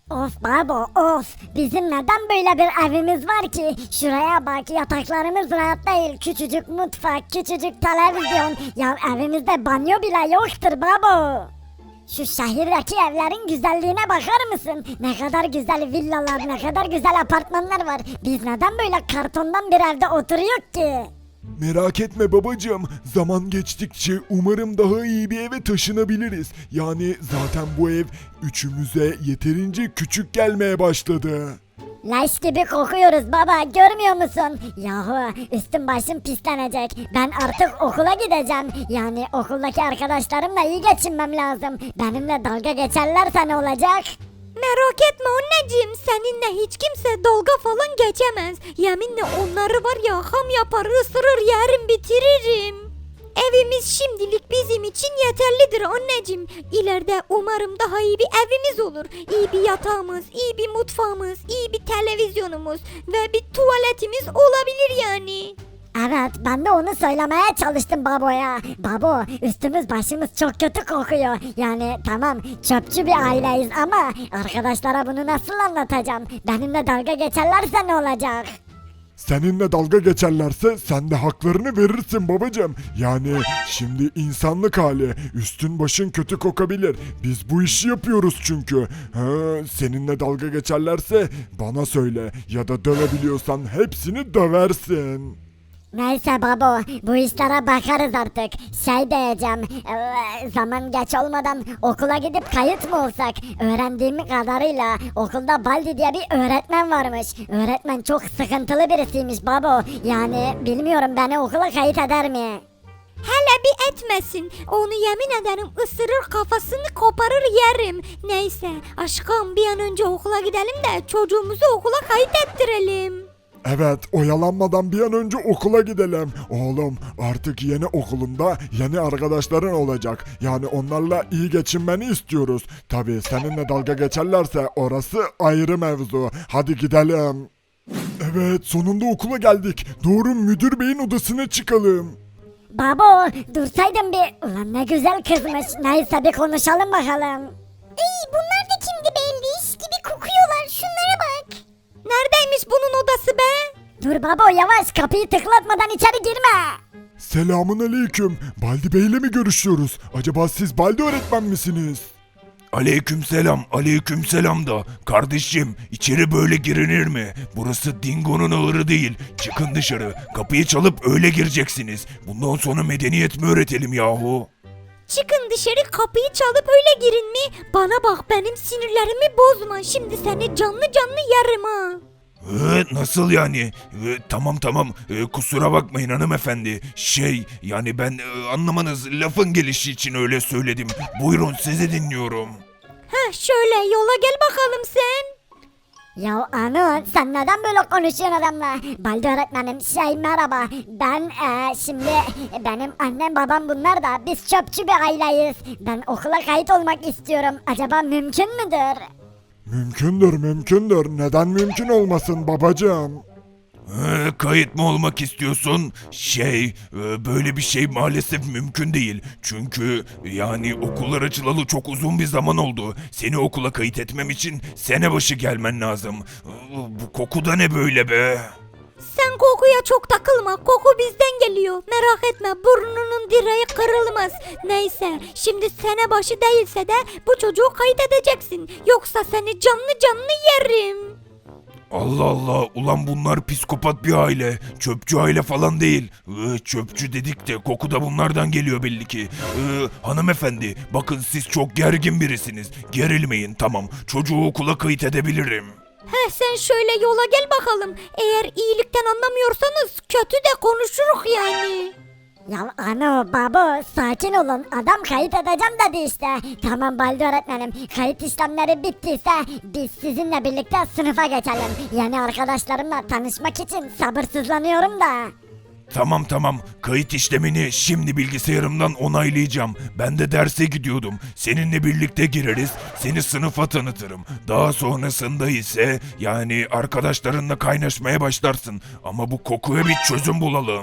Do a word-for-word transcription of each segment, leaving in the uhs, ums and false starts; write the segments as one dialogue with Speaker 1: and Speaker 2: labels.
Speaker 1: Of baba of. Bizim neden böyle bir evimiz var ki? Şuraya bak, yataklarımız rahat değil. Küçücük mutfak, küçücük televizyon. Ya evimizde banyo bile yoktur baba. Şu şehirdeki evlerin güzelliğine bakar mısın? Ne kadar güzel villalar, ne kadar güzel apartmanlar var. Biz neden böyle kartondan bir evde oturuyor ki?
Speaker 2: Merak etme babacığım. Zaman geçtikçe umarım daha iyi bir eve taşınabiliriz. Yani zaten bu ev üçümüze yeterince küçük gelmeye başladı.
Speaker 1: Leş gibi kokuyoruz baba, görmüyor musun? Yahu üstüm başım pislenecek. Ben artık okula gideceğim. Yani okuldaki arkadaşlarımla iyi geçinmem lazım. Benimle dalga geçerlerse ne olacak?
Speaker 3: Merak etme anneciğim, seninle hiç kimse dalga falan geçemez. Yeminle onları var ya, ham yapar, ısırır, yerim, bitiririm. Evimiz şimdilik bizim için yeterlidir anneciğim. İleride umarım daha iyi bir evimiz olur. İyi bir yatağımız, iyi bir mutfağımız, iyi bir televizyonumuz ve bir tuvaletimiz olabilir yani.
Speaker 1: Evet, ben de onu söylemeye çalıştım baboya. Babo, üstümüz başımız çok kötü kokuyor. Yani tamam çöpçü bir aileyiz ama arkadaşlara bunu nasıl anlatacağım? Benimle dalga geçerlerse ne olacak?
Speaker 2: Seninle dalga geçerlerse sen de haklarını verirsin babacığım. Yani şimdi insanlık hali. Üstün başın kötü kokabilir. Biz bu işi yapıyoruz çünkü. Ha, seninle dalga geçerlerse bana söyle. Ya da dövebiliyorsan hepsini döversin.
Speaker 1: Neyse babo, bu işlere bakarız artık. Şey diyeceğim, eee, zaman geç olmadan okula gidip kayıt mı olsak? Öğrendiğim kadarıyla okulda Baldi diye bir öğretmen varmış. Öğretmen çok sıkıntılı birisiymiş babo. Yani bilmiyorum, beni okula kayıt eder mi?
Speaker 3: Hele bir etmesin. Onu yemin ederim ısırır, kafasını koparır, yerim. Neyse aşkım, bir an önce okula gidelim de çocuğumuzu okula kayıt ettirelim.
Speaker 2: Evet, oyalanmadan bir an önce okula gidelim. Oğlum, artık yeni okulunda yeni arkadaşların olacak. Yani onlarla iyi geçinmeni istiyoruz. Tabii seninle dalga geçerlerse orası ayrı mevzu. Hadi gidelim. Evet, sonunda okula geldik. Doğru, müdür beyin odasına çıkalım.
Speaker 1: Babo, dursaydın bir. Ulan ne güzel kızmış. Neyse bir konuşalım bakalım.
Speaker 3: İyi, bunlar da kimdi, belli iş gibi kokuyorlar, şunlara bak. Neredeymiş bunun odası be?
Speaker 1: Dur babo, yavaş, kapıyı tıklatmadan içeri girme.
Speaker 2: Selamun aleyküm. Baldi Bey'le mi görüşüyoruz? Acaba siz Baldi öğretmen misiniz?
Speaker 4: Aleykümselam, aleykümselam da. Kardeşim, içeri böyle girilir mi? Burası Dingo'nun ağırı değil. Çıkın dışarı. Kapıyı çalıp öyle gireceksiniz. Bundan sonra medeniyet mi öğretelim yahu?
Speaker 3: Çıkın dışarı, kapıyı çalıp öyle girin mi? Bana bak, benim sinirlerimi bozma. Şimdi seni canlı canlı yerim ha.
Speaker 4: Ee, nasıl yani? Ee, tamam tamam, Ee, kusura bakmayın hanımefendi. Şey, yani ben e, anlamanız lafın gelişi için öyle söyledim. Buyurun, sizi dinliyorum.
Speaker 3: Heh, şöyle yola gel bakalım sen.
Speaker 1: Ya Anu, sen neden böyle konuşuyorsun adamla? Baldi öğretmenim, şey merhaba. Ben eee, şimdi benim annem babam bunlar da biz çöpçü bir aileyiz. Ben okula kayıt olmak istiyorum. Acaba mümkün müdür?
Speaker 2: Mümkündür, mümkündür. Neden mümkün olmasın babacığım?
Speaker 4: Ee, kayıt mı olmak istiyorsun? Şey, e, böyle bir şey maalesef mümkün değil. Çünkü yani okullar açılalı çok uzun bir zaman oldu. Seni okula kayıt etmem için sene başı gelmen lazım. Ee, Bu koku da ne böyle be?
Speaker 3: Sen kokuya çok takılma. Koku bizden geliyor. Merak etme, burnunun direği kırılmaz. Neyse, şimdi sene başı değilse de bu çocuğu kayıt edeceksin. Yoksa seni canlı canlı yerim.
Speaker 4: Allah Allah, ulan bunlar psikopat bir aile. Çöpçü aile falan değil. Ee, çöpçü dedik de koku da bunlardan geliyor belli ki. Ee, hanımefendi, bakın siz çok gergin birisiniz. Gerilmeyin, tamam. Çocuğu okula kayıt edebilirim.
Speaker 3: Heh, sen şöyle yola gel bakalım. Eğer iyilikten anlamıyorsanız kötü de konuşuruz yani.
Speaker 1: Ya Anu, babo, sakin olun. Adam kayıt edeceğim dedi işte. Tamam Baldi öğretmenim, kayıt işlemleri bittiyse biz sizinle birlikte sınıfa geçelim. Yeni arkadaşlarımla tanışmak için sabırsızlanıyorum da.
Speaker 4: Tamam tamam, kayıt işlemini şimdi bilgisayarımdan onaylayacağım. Ben de derse gidiyordum. Seninle birlikte gireriz, seni sınıfa tanıtırım. Daha sonrasında ise yani arkadaşlarınla kaynaşmaya başlarsın. Ama bu kokuya bir çözüm bulalım.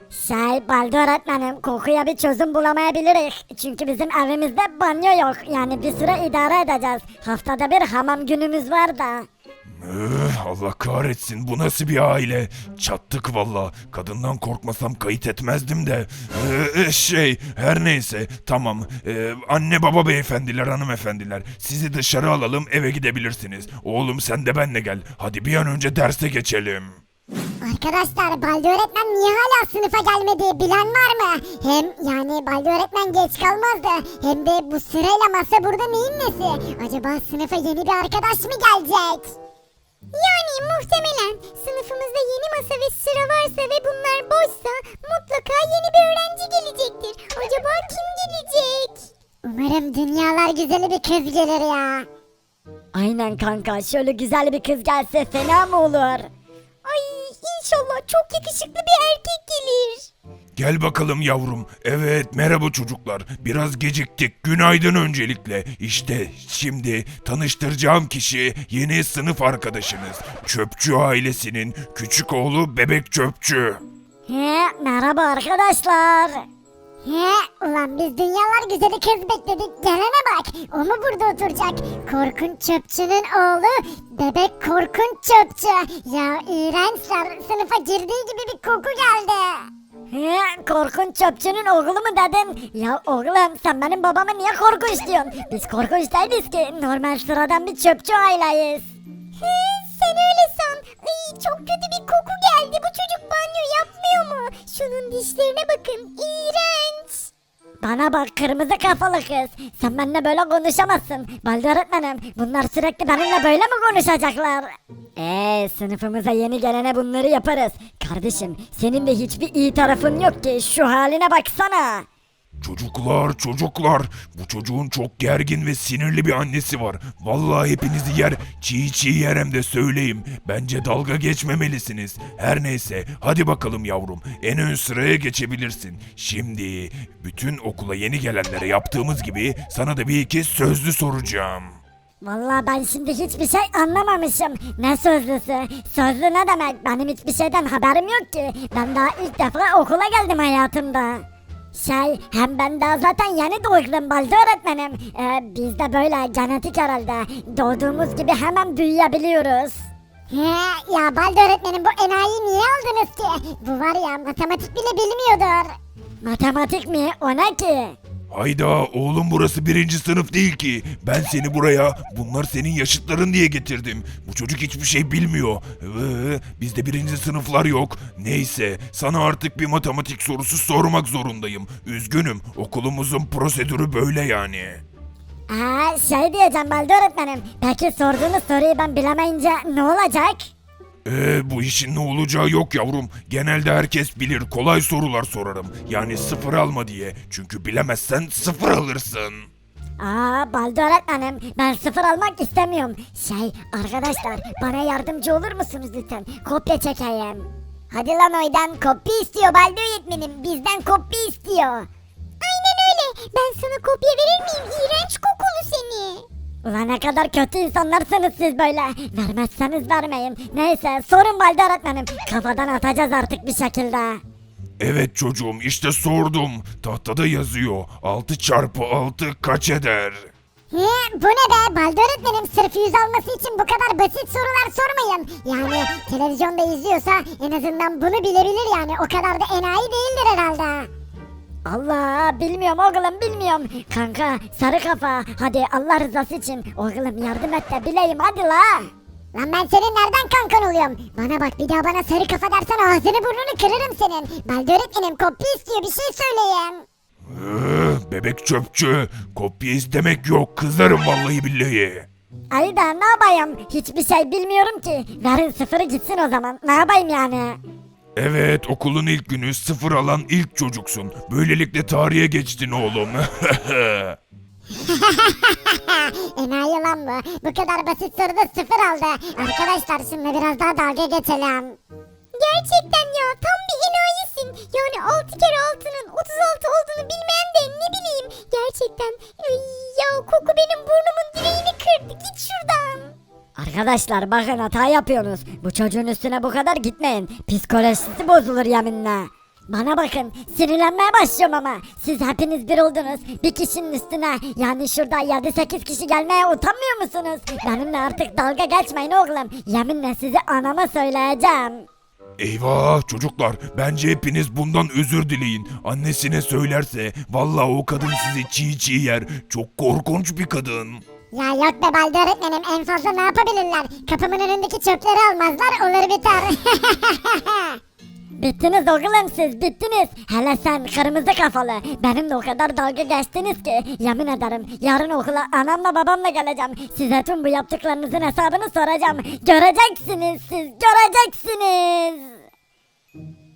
Speaker 1: Şey Baldi öğretmenim kokuya bir çözüm bulamayabiliriz. Çünkü bizim evimizde banyo yok. Yani bir süre idare edeceğiz. Haftada bir hamam günümüz var da.
Speaker 4: Üh, Allah kahretsin, bu nasıl bir aile? Çattık valla. Kadından korkmasam kayıt etmezdim de. Ee, şey her neyse tamam. Ee, anne baba beyefendiler hanımefendiler. Sizi dışarı alalım, eve gidebilirsiniz. Oğlum sen de benle gel. Hadi bir an önce derse geçelim.
Speaker 5: Arkadaşlar Baldi öğretmen niye hala sınıfa gelmedi bilen var mı? Hem yani Baldi öğretmen geç kalmazdı. Hem de bu sırayla masa burada neyin nesi? Acaba sınıfa yeni bir arkadaş mı gelecek? Yani muhtemelen sınıfımızda yeni masa ve sıra varsa ve bunlar boşsa mutlaka yeni bir öğrenci gelecektir. Acaba kim gelecek? Umarım dünyalar güzeli bir kız gelir ya.
Speaker 1: Aynen kanka şöyle güzel bir kız gelse fena mı olur?
Speaker 3: Ay inşallah çok yakışıklı bir erkek gelir.
Speaker 4: Gel bakalım yavrum. Evet merhaba çocuklar. Biraz geciktik. Günaydın öncelikle. İşte şimdi tanıştıracağım kişi yeni sınıf arkadaşınız. Çöpçü ailesinin küçük oğlu Bebek Çöpçü.
Speaker 1: He merhaba arkadaşlar.
Speaker 5: He ulan biz dünyalar güzeli kız bekledik gelene bak. O mu burada oturacak? Korkunç çöpçünün oğlu bebek korkunç çöpçü. Ya iğrençler sınıfa girdiği gibi bir koku geldi.
Speaker 1: He korkunç çöpçünün oğlu mu dedin? Ya oğlum sen benim babama niye korkunç diyorsun? Biz korkunç değiliz ki normal sıradan bir çöpçü aileyiz.
Speaker 5: He sen öyle san. Ay, çok kötü bir koku geldi. Bu çocuk banyo yapmıyor mu? Şunun dişlerine bakın. İğrenç.
Speaker 1: Bana bak kırmızı kafalı kız. Sen benimle böyle konuşamazsın. Baldi öğretmenim bunlar sürekli benimle böyle mi konuşacaklar? Eee sınıfımıza yeni gelene bunları yaparız. Kardeşim senin de hiçbir iyi tarafın yok ki şu haline baksana.
Speaker 4: Çocuklar çocuklar. Bu çocuğun çok gergin ve sinirli bir annesi var. Vallahi hepinizi yer. Çiğ çiğ yer hem de söyleyeyim. Bence dalga geçmemelisiniz. Her neyse hadi bakalım yavrum. En ön sıraya geçebilirsin. Şimdi bütün okula yeni gelenlere yaptığımız gibi sana da bir iki sözlü soracağım.
Speaker 1: Vallahi ben şimdi hiçbir şey anlamamışım. Ne sözlüsü? Sözlü ne demek? Benim hiçbir şeyden haberim yok ki. Ben daha ilk defa okula geldim hayatımda. Şey hem ben daha zaten yeni doğdum Baldi öğretmenim. Ee, biz de böyle genetik herhalde. Doğduğumuz gibi hemen büyüyebiliyoruz.
Speaker 5: He ya Baldi öğretmenim bu enayiyi niye aldınız ki? Bu var ya matematik bile bilmiyordur.
Speaker 1: Matematik mi? O ne ki?
Speaker 4: Hayda oğlum burası birinci sınıf değil ki. Ben seni buraya bunlar senin yaşıtların diye getirdim. Bu çocuk hiçbir şey bilmiyor. Ee, bizde birinci sınıflar yok. Neyse sana artık bir matematik sorusu sormak zorundayım. Üzgünüm okulumuzun prosedürü böyle yani.
Speaker 1: Aa, şey diyeceğim Baldi öğretmenim. Peki sorduğunuz soruyu ben bilemeyince ne olacak?
Speaker 4: Ee, bu işin ne olacağı yok yavrum. Genelde herkes bilir kolay sorular sorarım. Yani sıfır alma diye. Çünkü bilemezsen sıfır alırsın.
Speaker 1: Aa Baldi öğretmenim ben sıfır almak istemiyorum. Şey arkadaşlar bana yardımcı olur musunuz lütfen? Kopya çekeyim.
Speaker 5: Hadi lan oydan kopya istiyor Baldi öğretmenim bizden kopya istiyor. Aynen öyle ben sana kopya verir miyim iğrenç kokulu seni.
Speaker 1: Ulan ne kadar kötü insanlarsınız siz böyle. Vermezseniz vermeyin. Neyse sorun Baldi öğretmenim. Kafadan atacağız artık bir şekilde.
Speaker 4: Evet çocuğum işte sordum. Tahtada yazıyor. altı çarpı altı kaç eder?
Speaker 5: He, bu ne be Baldi öğretmenim sırf yüz alması için bu kadar basit sorular sormayın. Yani televizyonda izliyorsa en azından bunu bilebilir yani o kadar da enayi değildir herhalde.
Speaker 1: Allah bilmiyorum oğlum bilmiyorum. Kanka sarı kafa hadi Allah rızası için oğlum yardım et de bileyim hadi la.
Speaker 5: Lan ben senin nereden kankan oluyorum? Bana bak bir daha bana sarı kafa dersen ağzını burnunu kırarım senin. Baldi öğretmenim kopya istiyor bir şey söyleyin.
Speaker 4: Ee, bebek çöpçü. Kopya istemek yok. Kızarım vallahi billahi.
Speaker 1: Ay da ne yapayım hiçbir şey bilmiyorum ki. Verin sıfırı gitsin o zaman ne yapayım yani.
Speaker 4: Evet okulun ilk günü sıfır alan ilk çocuksun. Böylelikle tarihe geçtin oğlum.
Speaker 5: Enayi lan bu. Bu kadar basit soruda sıfır aldı. Arkadaşlar şimdi biraz daha dalga geçelim. Gerçekten ya tam bir enayisin. Yani altı kere altının otuz altı olduğunu bilmeyen de ne bileyim. Gerçekten ay, ya koku benim burnumun direğini kırdı. Git şuradan.
Speaker 1: Arkadaşlar bakın hata yapıyorsunuz. Bu çocuğun üstüne bu kadar gitmeyin. Psikolojisi bozulur yeminle. Bana bakın sinirlenmeye başlıyorum ama siz hepiniz bir oldunuz bir kişinin üstüne yani şurada yedi sekiz kişi gelmeye utanmıyor musunuz? Benimle artık dalga geçmeyin oğlum yeminle sizi anama söyleyeceğim.
Speaker 4: Eyvah çocuklar, bence hepiniz bundan özür dileyin. Annesine söylerse vallahi o kadın sizi çiğ çiğ yer. Çok korkunç bir kadın.
Speaker 5: Ya yok be Baldi öğretmenim en fazla ne yapabilirler? Kapımın önündeki çöpleri almazlar olur biter.
Speaker 1: Bittiniz oğlum siz bittiniz. Hele sen kırmızı kafalı. Benimle o kadar dalga geçtiniz ki yemin ederim yarın okula anamla babamla geleceğim. Size tüm bu yaptıklarınızın hesabını soracağım. Göreceksiniz siz göreceksiniz.